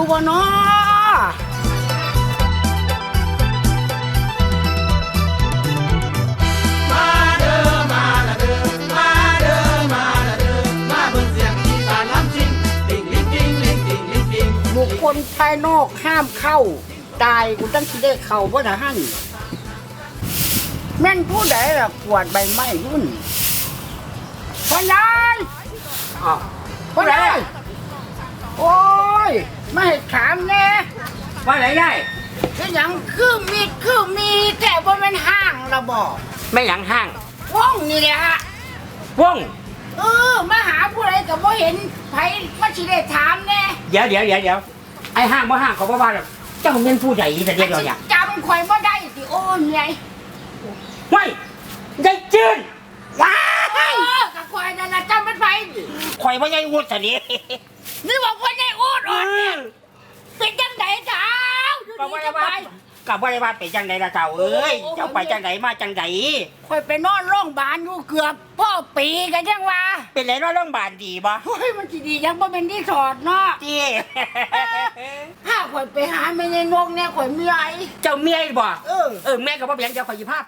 บ่เนาะมาเด้อมาละเด้อมาเด้อมาละเด้อมาเบิ่งเสียงอีสานล้ำจริงติ่งลิงติ่งลิงติ่งลิงติ่งบุคคลภายนอกห้ามเข้าตายกูตั้งสิได้เข้าบ่ทหารแม่นผู้ใดล่ะกวาดใบไม้รุ่นพ่อยายพ่อยายโอ้ยไม่ให้ถามแน่ว่าไหนได้เป็นหยังคือมีแต่ว่ามันห้างระบอกไม่หยังห้างว่องนี่แหละฮะว่องมาหาผู้ใดก็บ่เห็นไผมาสิได้ถามแน่เดี๋ยวไอ้ห้างบ่ห้างเขาบ่ว่าหรอกเจ้าเป็นผู้ใหญ่แต่เดียวเนี่ยจำข่อยบ่ได้สิโอ้ยไงไม่ได้จืนว้ายกับข่อยนั่นน่ะจำเป็นไผข่อยว่าใหญ่วุฒิสินี่บอกว่าได้โอดเนี่ยเป็นจังไดเจ้าอยู่กับดีว่าจะไปกับว่าว่าไปจังไดล่ะเจ้าเอ้ยเจ้าไปจังไดมาจังไดข่อยไปนอนโรงพยาบาลอยู่เกือบพ่อปีกันจังว่าเป็นไรเนาะโรงพยาบาลดีบ่เฮ้ยมันสิดียังบ่เป็นที่ถอดเนาะจี้ถ้าข่อยไปหาแม่ในนกเนี่ยข่อยเมื่อยเจ้าเมียบ่เออแม่ก็บ่เบียงเดี๋ยวข่อยสิพาไป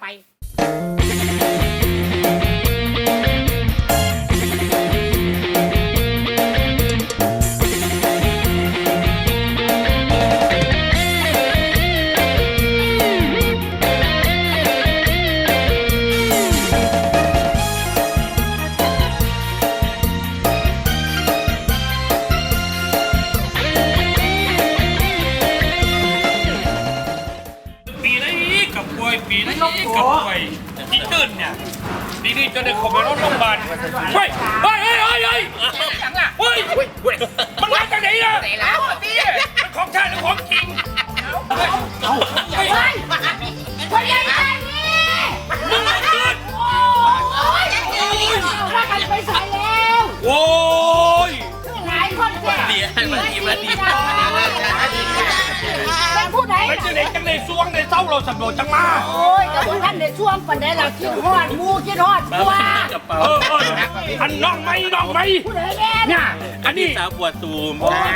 ปีนี้กับป่วยปีนี้กับป่วยที่ตื่นเนี่ยปีนี้จะได้เข้าไปโรงพยาบาลเฮ้ยมันมาจากไหนอ่ะมันของชาติหรือของจริงคนใหญ่ใจนี่มึงมาตื่นโอ้ยว่ากันไปใส่แล้วโอ้ยหลายคนแก่มาดีเป็นผู้ใดไม่ใช่เด็กจังเลยซวงในเศร้าเราสำรวจจังมาโอ้ยกับท่านในช่วงปันไดเราคิดฮอดมูคิดฮอดตัวอันน้องไหมผู้ใดแน่เนี่ยอันนี้สาวปวดตูม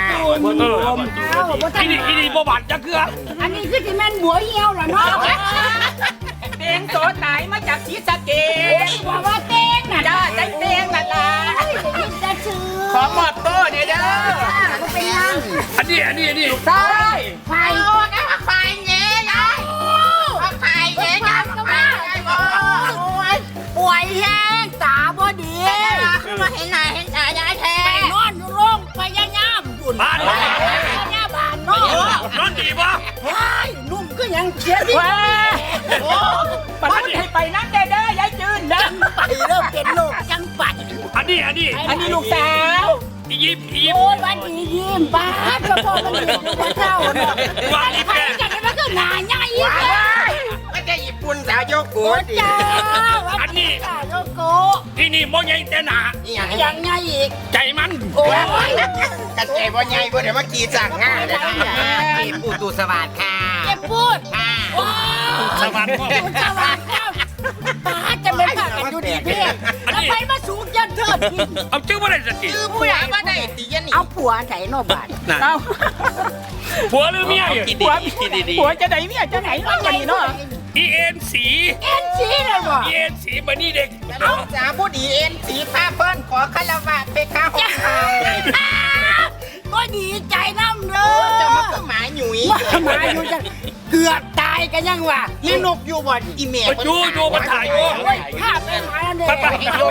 อีนี่บ่บาดจะเกลืออันนี้คือที่แม่นบัวเหี่ยวเหรอเนาะเตียงโสดไหนมาจากศรีสะเกษบอกว่าเต้งน่ะจ้าใจเตียงนั่นล่ะจะซื้อขอมอบโต้เนี่ยเด้อเป็นยังอันนี้ใช่ไฟไฟเงี้ยยายไฟเงี้ยยายก็มาป่วยแห้งตาบ่ดีคือมาเห็นหน้าเห็นตายายแท้ไปนอนอยู่โรงพยาบาลบุญบ้านพยาบาลเนาะนอนดีปะว้ายนุ่มก็ยังเขียนดีว้าโอ้ปัดให้ไปนั่งเด้อยายจืนเด้อไปเริ่มเป็นโรคจังปัดอันนี้อันนี้ลูกสาวอียิปต์โอ้ยวันดียิ้มป้าก็พอมันดีกว่าเจ้าเนาะว่าใครจะได้มาก็หนาใหญ่อีกไม่ใช่ญี่ปุ่นสาวโยกุโอ้จ้าวันนี้โยโกที่นี่โมยังแต่หนายังไงอีกใจมันโอ้ยกระเจี๊ยบใหญ่บ่เดี๋ยวมากี่สั่งง่ายเลยนะกีบอุตุสวัสดิ์ค่ะเจ็บพูดโอ้ยสวัสดิ์สวัสดิ์ครับป้าจะเป็นผักกันอยู่ดีเพี่แล้วไปมาสูงยันเถิดเอาชื่อว่าอะไรสติคือผู้ใหญ่ว่าได้ตียันนี่เอาผัวไหนโนบาทเอาผัวหรือเมียผัวจะไหนเนี่ยจะไหนเนาะกันนี่เนาะอีเอ็นสีเอ็นซีเลยบ่อีเอ็นสีมานี่เด็กเอาสาวผู้ดีเอ็นสีผ้าเปิ้ลขอคารวะไปข้าห้องเขาก็ดีใจน้ำเด้อจะมาคือหมาหนุ่ยมาอยู่จังเกือบตายกันยังวะนี่นกอยู่บ่อีเมลดูมาถ่ายอยู่ภาพเป็นหายอันเดียไปว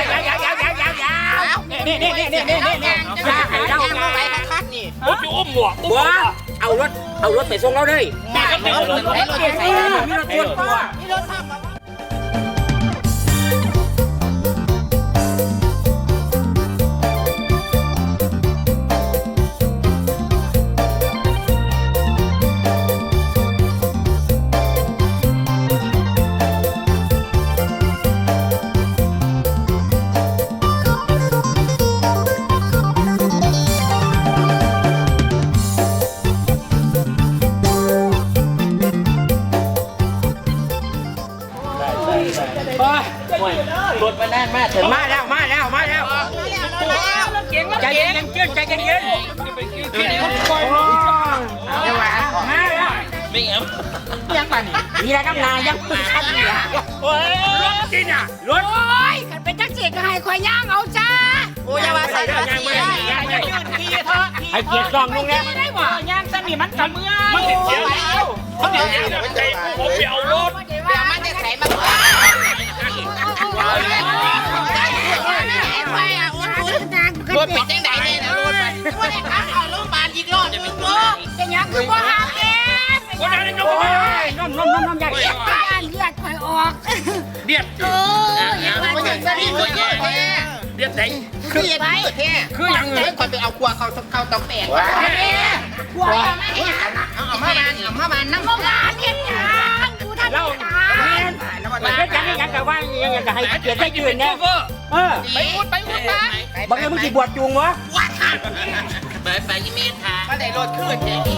นี่เราไปคัดนี่ผมจะอุ้มหมวกบัวเอารถไปส่งเราเลยแม่ก็เด็กรถใส่มีรถตัวตัวนี่รถทำมารถมาแน่นมากถึงมาแล้วใจเย็นเย็นใจเย็นเย็นเดี๋ยวว่ามาแล้วไม่เอ็มยังป่ะนี่มีอะไรน้ำนายังพึ่งคันอยู่โอ้ยรถกินอ่ะรถโอ้ยกันเป็นจังสีก็ให้คอยย่างเอาจ้าโอ้ยอย่าว่าใส่ผ้าสีทีเถอะให้เกียรติกล้องลุงเนี่ยได้บ่ย่างสนิมันกับเมื่อมันเห็นเสียงมันเห็นเสียงใจผมไปเอารถเดี๋ยวมันจะใส่มาก่อนรถเป็นจังไหนเนี่ยนะรถว่าได้ขับเข้าโรงพยาบาลอีกรอบจะเป็นตัวเป็นยังคือบ่หาเองคนนั้นยกโอ้มือยน้มใหญ่ย่านเลือดคอยออกเดียดโอ้ยยังมันว่าจะจะใส่ตัวแย่เดียดไหนคือเย็นแท้คือยังไงเฮ้ยคนไปเอาครัวเขาตองแตกกลัวไม่เห็นเอามาบานน้ำโรงงานเห็นยังกูทำเราตามันก็ยังยังกับว่ายังจะให้เกียรติได้ยืนเนี่ยไปพูดบางทีมึงจีบวชจูงวะไปยี่เมตรค่ะก็ได้รถขึ้น